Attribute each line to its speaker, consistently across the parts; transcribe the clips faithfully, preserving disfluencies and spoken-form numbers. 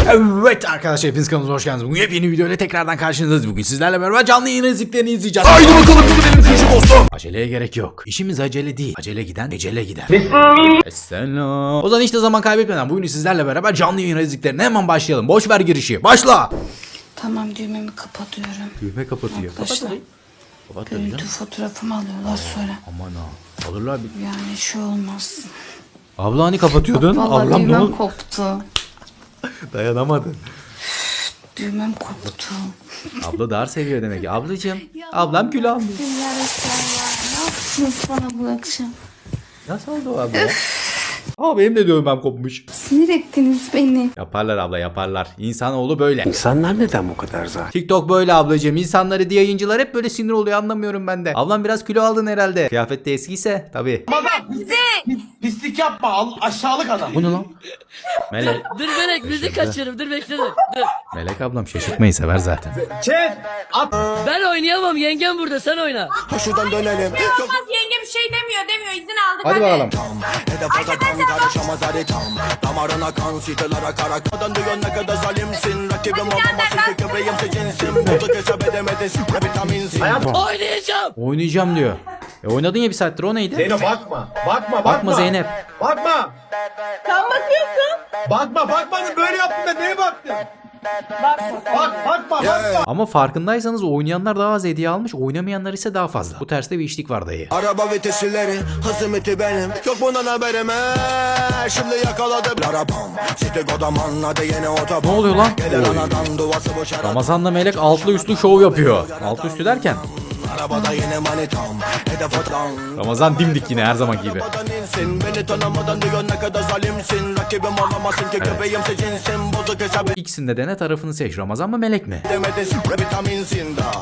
Speaker 1: Evet arkadaşlar, hepiniz kanalımıza hoş geldiniz. Bugün yepyeni videoyla tekrardan karşınızdayız. Bugün sizlerle beraber canlı yayın izliklerini izleyeceğiz. Haydi bakalım gidelim küçük dostum. Aceleye gerek yok. İşimiz acele değil. Acele giden ecele gider. Esselam. O zaman işte zaman kaybetmeden bugün sizlerle beraber canlı yayın izliklerine hemen başlayalım. Boş ver girişi. Başla.
Speaker 2: Tamam, düğmemi kapatıyorum.
Speaker 1: Düğme kapatıyor.
Speaker 2: Arkadaşlar, görüntü fotoğrafımı alıyorlar sonra.
Speaker 1: Aman ha. Alırlar bir.
Speaker 2: Yani şu olmaz.
Speaker 1: Abla hani kapatıyordun?
Speaker 2: Vallahi
Speaker 1: Ablam ne
Speaker 2: düğmem
Speaker 1: oldu?
Speaker 2: koptu.
Speaker 1: Dayanamadın.
Speaker 2: Düğmem koptu.
Speaker 1: Abla dar seviyor demek ki. Ablacığım. Ablam kül almış.
Speaker 2: Ya Resulallah ya, ne yaptınız bana bu akşam?
Speaker 1: Nasıl oldu o abla ya? Aa, benim de dövmem kopmuş.
Speaker 2: Sinir ettiniz beni.
Speaker 1: Yaparlar abla, yaparlar. İnsanoğlu böyle.
Speaker 3: İnsanlar neden bu kadar zaten?
Speaker 1: TikTok böyle ablacığım. İnsanları diye yayıncılar hep böyle sinir oluyor, anlamıyorum ben de. Ablam biraz kilo aldın herhalde. Kıyafet de eskiyse tabii.
Speaker 4: Pislik yapma, al aşağılık adam.
Speaker 1: Bu ne lan? Melek.
Speaker 5: Dur Melek müzik kaçırırım dur bekle dur. dur.
Speaker 1: Melek ablam şaşırtmayı sever zaten.
Speaker 4: Çet, at.
Speaker 5: Ben oynayamam yengem burada sen oyna.
Speaker 3: Şuradan dönelim.
Speaker 6: Olmaz, yenge bir şey demiyor demiyor, izin aldık
Speaker 1: Hadi bakalım.
Speaker 3: Hedefe tam karışamaz hadi tam. Damarına kan sitelara kara. Kadın diyor ne kadar zalimsin. Rakibim olmamasın ki köpeğim seçilsin. Bozuk hesap edemedin. Vitaminsin.
Speaker 5: Oynayacağım.
Speaker 1: Oynayacağım diyor. E oynadın ya bir saattir, o neydi?
Speaker 4: Zeynep bakma, bakma, bakma.
Speaker 1: Bakma Zeynep.
Speaker 4: Bakma.
Speaker 6: Sen bakıyorsun.
Speaker 4: Bakma, bakma, böyle yaptın da neye baktın? Bak, bakma, bakma.
Speaker 1: Ama farkındaysanız oynayanlar daha az hediye almış, oynamayanlar ise daha fazla. Bu terste bir işlik var dayı.
Speaker 3: Araba vitesleri hızımeti benim. Yok bundan haberim he. Şimdi yakaladım. Arabam. Site kodam anladı yeni otobüs.
Speaker 1: Ne oluyor lan?
Speaker 3: Gelir
Speaker 1: Oy.
Speaker 3: anadan duvası boşar.
Speaker 1: Ramazan'la Melek altlı üstlü şov yapıyor. Altlı üstü derken
Speaker 3: Arabada yine manitam. Hedef tam.
Speaker 1: Ramazan dimdik yine her zaman gibi.
Speaker 3: Arabadan insin. Beni tanımadan diyor ne kadar zalimsin. Rakibim olamazsın ki köpeğim seçilsin. Bozuk hesap
Speaker 1: İkisinde de ne tarafını seç, Ramazan mı Melek mi?
Speaker 3: edemedin. Vitaminsin da.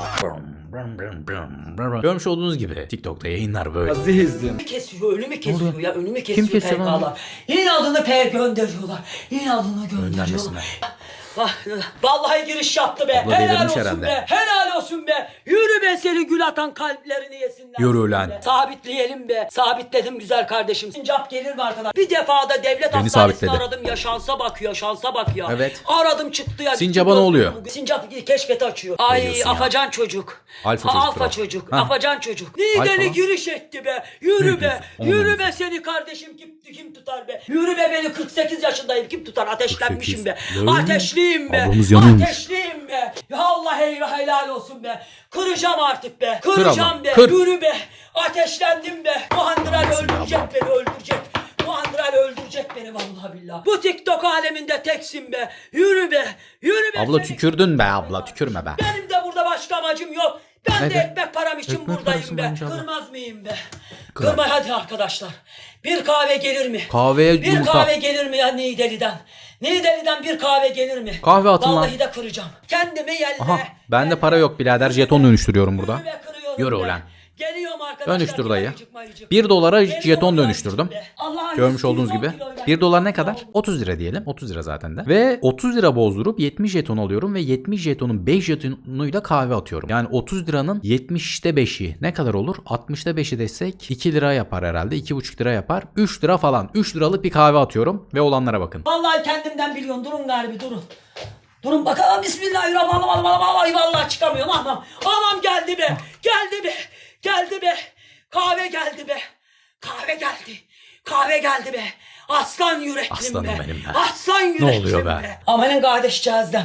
Speaker 1: Görmüş olduğunuz gibi TikTok'ta yayınlar böyle.
Speaker 7: Kesiyor, önümü kesiyor ya, önümü kesiyor
Speaker 1: Kim kesiyor lan?
Speaker 7: P K'lar. İnadını P gönderiyorlar. İnadını gönderiyorlar.
Speaker 1: Göndermesinler.
Speaker 7: Vah, vallahi giriş yaptı be.
Speaker 1: Abla
Speaker 7: Helal
Speaker 1: delirmiş
Speaker 7: olsun
Speaker 1: herhalde.
Speaker 7: be. Helal olsun be. Yürü be seni gül atan kalplerini yesinler.
Speaker 1: Yürü lan.
Speaker 7: Be. Sabitleyelim be. Sabitledim güzel kardeşim. Sincap gelir mi arkadan? Bir defada devlet
Speaker 1: Beni
Speaker 7: hastanesini
Speaker 1: sabitledi.
Speaker 7: aradım ya, şansa bak ya, şansa bak ya.
Speaker 1: Evet.
Speaker 7: Aradım çıktı ya.
Speaker 1: Sincap'a ne oluyor?
Speaker 7: Sincap keşfeti açıyor. Ay
Speaker 1: diyorsun ya?
Speaker 7: afacan çocuk.
Speaker 1: Alfa
Speaker 7: Ha,
Speaker 1: çocuktur
Speaker 7: Alfa
Speaker 1: o.
Speaker 7: çocuk.
Speaker 1: Ha.
Speaker 7: Afacan çocuk.
Speaker 1: Alfa
Speaker 7: Nideli
Speaker 1: mı?
Speaker 7: giriş etti be. Yürü
Speaker 1: Ne
Speaker 7: be.
Speaker 1: diyorsun? Onu
Speaker 7: Yürü
Speaker 1: diyorsun.
Speaker 7: be seni kardeşim, kim kim tutar be. Yürü be, beni kırk sekiz yaşındayım, kim tutar? Ateşlenmişim be.
Speaker 1: kırk sekiz.
Speaker 7: Ateşliyim be.
Speaker 1: Ablamız yanıyormuş.
Speaker 7: Ateşliyim be. Ya Allah eyvah, helal olsun be. Kıracağım artık be.
Speaker 1: Kır
Speaker 7: Kıracağım
Speaker 1: ablam,
Speaker 7: be.
Speaker 1: kır.
Speaker 7: Yürü be. Ateşlendim be. Muhandral öldürecek beni, öldürecek. Muhandral öldürecek beni vallahi billahi. Bu TikTok aleminde teksin be. Yürü be. Yürü be.
Speaker 1: Abla
Speaker 7: seni-
Speaker 1: tükürdün be abla, tükürme be.
Speaker 7: Benim de burada başka amacım yok. Ben
Speaker 1: Ne
Speaker 7: de
Speaker 1: be?
Speaker 7: ekmek param için
Speaker 1: Ekmek parası
Speaker 7: buradayım be.
Speaker 1: varmış abla.
Speaker 7: Kırmaz mıyım be?
Speaker 1: Kırar.
Speaker 7: Kırma hadi arkadaşlar. Bir kahve gelir mi?
Speaker 1: Kahveye
Speaker 7: Bir
Speaker 1: yumurta.
Speaker 7: kahve gelir mi ya Nideli'den? Nideli'den bir kahve gelir mi?
Speaker 1: Kahve atın lan.
Speaker 7: Vallahi de kıracağım. Kendimi yelle.
Speaker 1: Aha, bende para yok birader, jeton dönüştürüyorum burada.
Speaker 7: Yürü be, kırıyorum
Speaker 1: Yürü
Speaker 7: be.
Speaker 1: ulan.
Speaker 7: Geliyorum arkadaşlar.
Speaker 1: Dönüştür dayı.
Speaker 7: Mayıcık, mayıcık.
Speaker 1: bir dolara
Speaker 7: Geliyorum
Speaker 1: jeton
Speaker 7: be.
Speaker 1: dönüştürdüm.
Speaker 7: Allah'ın
Speaker 1: Görmüş
Speaker 7: yüz
Speaker 1: olduğunuz
Speaker 7: yüz on
Speaker 1: gibi.
Speaker 7: kiloyla.
Speaker 1: bir dolar ne kadar? otuz lira diyelim. otuz lira zaten de. Ve otuz lira bozdurup yetmiş jeton alıyorum ve yetmiş jetonun beş jetonuyla kahve atıyorum. Yani otuz liranın yetmişte beşi ne kadar olur? altmışta beşi desek iki lira yapar herhalde. iki buçuk lira yapar. üç lira falan. üç liralık bir kahve atıyorum ve olanlara bakın.
Speaker 7: Vallahi kendimden biliyorum. Durun galiba, durun. Durun bakalım, bismillahirrahmanirrahim. Ay vallahi çıkamıyorum, anam. Anam geldi be. Geldi be. Geldi be. Kahve geldi be. Kahve geldi. Kahve geldi be. Aslan yüreklim
Speaker 1: Aslanım
Speaker 7: be.
Speaker 1: benim be.
Speaker 7: Aslan yüreklim
Speaker 1: oluyor be?
Speaker 7: Amanın kardeşcağızdan.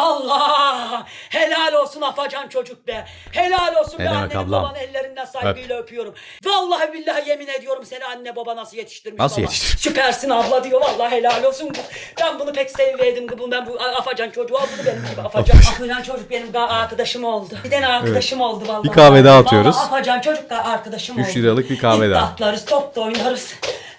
Speaker 7: Allah. Helal olsun afacan çocuk be. Helal olsun
Speaker 1: Ne
Speaker 7: be,
Speaker 1: demek
Speaker 7: annenin
Speaker 1: ablam?
Speaker 7: babanın ellerinden saygıyla öpüyorum. Vallahi billahi yemin ediyorum, seni anne baba nasıl yetiştirmiş
Speaker 1: Nasıl
Speaker 7: baba.
Speaker 1: yetiştirmiş?
Speaker 7: Süpersin abla diyor, vallahi helal olsun. Ben bunu pek sevmedim. Bu ben bu afacan çocuğu al bunu benim gibi afacan. Afacan çocuk benim daha arkadaşım oldu. Bir tane arkadaşım oldu vallahi.
Speaker 1: Bir kahve daha atıyoruz.
Speaker 7: Vallahi afacan çocuk da arkadaşım oldu.
Speaker 1: üç liralık bir kahve daha.
Speaker 7: İttatlarız, top da oynarız.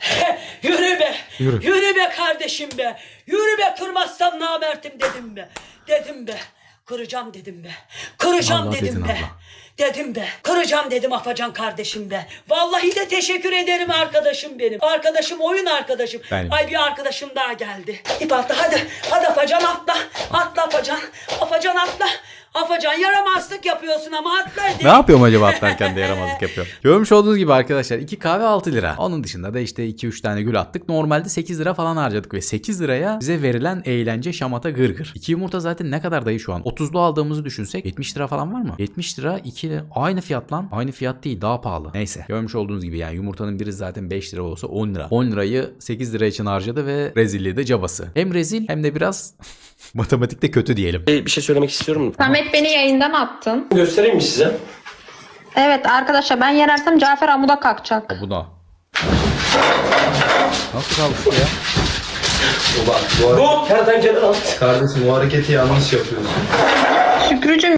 Speaker 7: Yürü be.
Speaker 1: Yürü.
Speaker 7: Yürü be kardeşim be. Yürü be, kırmazsan namertim dedim be. Dedim be. Kıracağım dedim be. Kıracağım
Speaker 1: Allah
Speaker 7: dedim
Speaker 1: dedin
Speaker 7: be.
Speaker 1: abla.
Speaker 7: Dedim be. Kıracağım dedim afacan kardeşim be. Vallahi de teşekkür ederim arkadaşım benim. Arkadaşım, oyun arkadaşım.
Speaker 1: Benim.
Speaker 7: Ay bir arkadaşım daha geldi. İp atla hadi. Hadi afacan atla. Atla afacan. Afacan atla. Afacan yapacaksın? Yaramazlık yapıyorsun ama atla hadi.
Speaker 1: Ne yapıyorum acaba atlarken de yaramazlık yapıyorum. Görmüş olduğunuz gibi arkadaşlar iki kahve altı lira. Onun dışında da işte iki üç tane gül attık. Normalde sekiz lira falan harcadık ve sekiz liraya bize verilen eğlence şamata gırgır. iki yumurta zaten ne kadar dayı şu an? otuzlu aldığımızı düşünsek yetmiş lira falan var mı? yetmiş lira iki aynı fiyat lan. Aynı fiyat değil, daha pahalı. Neyse görmüş olduğunuz gibi yani yumurtanın biri zaten beş lira olsa on lira. on lirayı sekiz lira için harcadı ve rezilliği de cabası. Hem rezil hem de biraz matematikte kötü diyelim.
Speaker 8: Bir şey söylemek istiyorum.
Speaker 2: Samet beni yayından attın.
Speaker 8: Göstereyim mi size?
Speaker 2: Evet arkadaşlar ben yenersem Cafer amuda kalkacak.
Speaker 1: Bu da. Nasıl kalmıştı ya?
Speaker 8: Bu kertenkele lan.
Speaker 4: Kardeşim o hareketi yanlış yapıyorsun.
Speaker 2: Şükrücüm.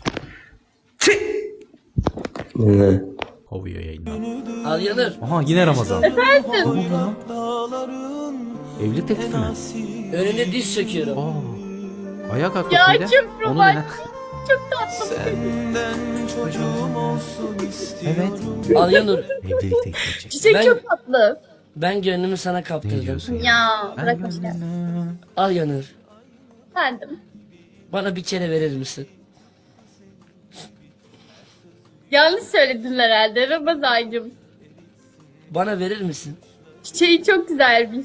Speaker 8: Ne?
Speaker 1: Kovuyor yayından.
Speaker 5: Al Yanır.
Speaker 1: Aha yine Ramazan. Efendim? Evlilik teklifi mi?
Speaker 5: Önüne diz çöküyorum.
Speaker 1: Aa, ayağa kalk
Speaker 6: Ya
Speaker 1: bakayım.
Speaker 6: çok
Speaker 1: Onu
Speaker 6: romantik.
Speaker 1: dene.
Speaker 6: Çok tatlı.
Speaker 1: Evet.
Speaker 5: Al Yanır.
Speaker 1: Evlilik teklifi edecek.
Speaker 6: Çiçek
Speaker 5: Ben-
Speaker 6: çok tatlı.
Speaker 5: Ben gönlümü sana
Speaker 1: Ne
Speaker 5: kaptırdım.
Speaker 1: diyorsun ya?
Speaker 6: Ya bırak işte.
Speaker 5: Al Yanır.
Speaker 6: Efendim.
Speaker 5: Bana bir kere verir misin?
Speaker 6: Yanlış söyledin herhalde Ramazancığım.
Speaker 5: Bana verir misin?
Speaker 6: Çiçeği çok güzelmiş.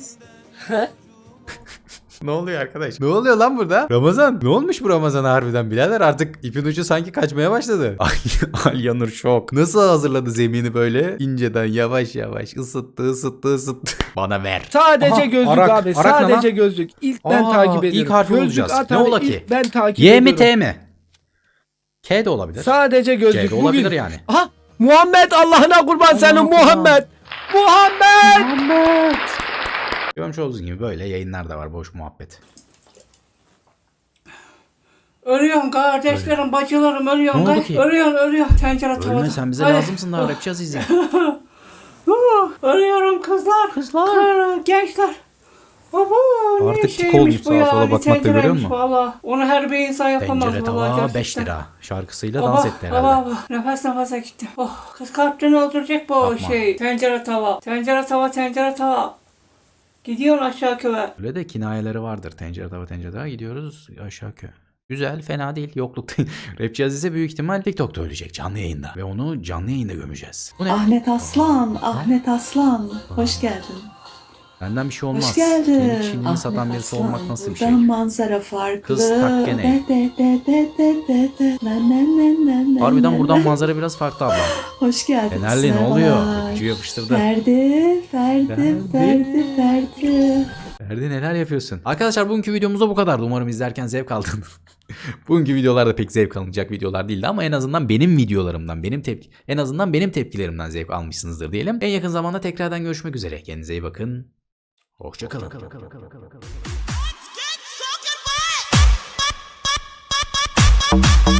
Speaker 1: Ne oluyor arkadaş? Ne oluyor lan burada? Ramazan. Ne olmuş bu Ramazan'a harbiden birader? Artık ipin ucu sanki kaçmaya başladı. Ay Alyanur şok. Nasıl hazırladı zemini böyle? İnceden yavaş yavaş ısıttı ısıttı ısıttı. Bana ver.
Speaker 9: Sadece
Speaker 1: Aha,
Speaker 9: gözlük
Speaker 1: Arak.
Speaker 9: abi.
Speaker 1: Arak ne
Speaker 9: Sadece
Speaker 1: lan?
Speaker 9: gözlük. İlk ben
Speaker 1: Aa,
Speaker 9: takip
Speaker 1: ilk
Speaker 9: ediyorum.
Speaker 1: harfi
Speaker 9: Gözlük
Speaker 1: bulacağız.
Speaker 9: at
Speaker 1: Ne
Speaker 9: abi,
Speaker 1: ola
Speaker 9: ilk
Speaker 1: ki?
Speaker 9: Ben takip
Speaker 1: Y mi
Speaker 9: ediyorum.
Speaker 1: T mi? K de olabilir.
Speaker 9: Sadece gözlük.
Speaker 1: C de olabilir
Speaker 9: Bugün...
Speaker 1: yani.
Speaker 9: Aha Muhammed Allah'ına kurban senin Muhammed. Muhammed.
Speaker 1: Görmüş olduğunuz gibi böyle yayınlar da var, boş muhabbet.
Speaker 7: Ölüyorum kardeşlerim, bacılarım ölüyorum.
Speaker 1: Ne oldu ki?
Speaker 7: Ölüyorum, ölüyorum. Tencere tavada.
Speaker 1: Ölme sen bize
Speaker 7: Hadi.
Speaker 1: lazımsın daha rapçi Aziz'e.
Speaker 7: Uh, Ölüyorum kızlar. Kızlar. Gençler. Baba ne
Speaker 1: Artık tik
Speaker 7: şeymiş
Speaker 1: olmuş
Speaker 7: bu
Speaker 1: sağa
Speaker 7: ya,
Speaker 1: sola
Speaker 7: bir
Speaker 1: bakmakta, görüyor
Speaker 7: tencereymiş
Speaker 1: musun?
Speaker 7: valla. Onu her bir insan yapamaz.
Speaker 1: Tencere
Speaker 7: vallahi
Speaker 1: tava
Speaker 7: gerçekten.
Speaker 1: beş lira. Şarkısıyla
Speaker 7: Baba,
Speaker 1: dans etti herhalde.
Speaker 7: baba, baba. Nefes nefese gitti. Oh, kız kalpten öldürecek bu
Speaker 1: Yapma.
Speaker 7: şey. Tencere tava. Tencere tava, tencere tava. Gidiyorsun aşağı köye.
Speaker 1: Öyle de kinayeleri vardır. Tencere tava tencere tava gidiyoruz aşağı köy. Güzel, fena değil. Yoklukta. Rapçi Azize büyük ihtimal TikTok'ta ölecek canlı yayında. Ve onu canlı yayında gömeceğiz. Bu ne?
Speaker 10: Ahmet Aslan, Ahmet Aslan. Hoş geldin.
Speaker 1: Benden bir şey olmaz.
Speaker 10: Hoş geldin.
Speaker 1: Kendi kişiliğini satan birisi olmak nasıl bir şey?
Speaker 10: Buradan manzara farklı.
Speaker 1: Kız tak gene.
Speaker 10: De de de de de de de. Na na na na na
Speaker 1: Harbiden
Speaker 10: na
Speaker 1: buradan
Speaker 10: na.
Speaker 1: manzara biraz farklı abla.
Speaker 10: Hoş geldin.
Speaker 1: Fenerli ne
Speaker 10: Seval.
Speaker 1: oluyor? Öpücüğü yapıştırdı.
Speaker 10: Ferdi, Ferdi,
Speaker 1: Ferdi.
Speaker 10: Ferdi, Ferdi.
Speaker 1: Ferdi neler yapıyorsun? Arkadaşlar bugünkü videomuz da bu kadardı. Umarım izlerken zevk aldınız. Bugünkü videolar da pek zevk alınacak videolar değildi ama en azından benim videolarımdan, benim tepki, en azından benim tepkilerimden zevk almışsınızdır diyelim. En yakın zamanda tekrardan görüşmek üzere. Kendinize iyi bakın. Hoşça kalın.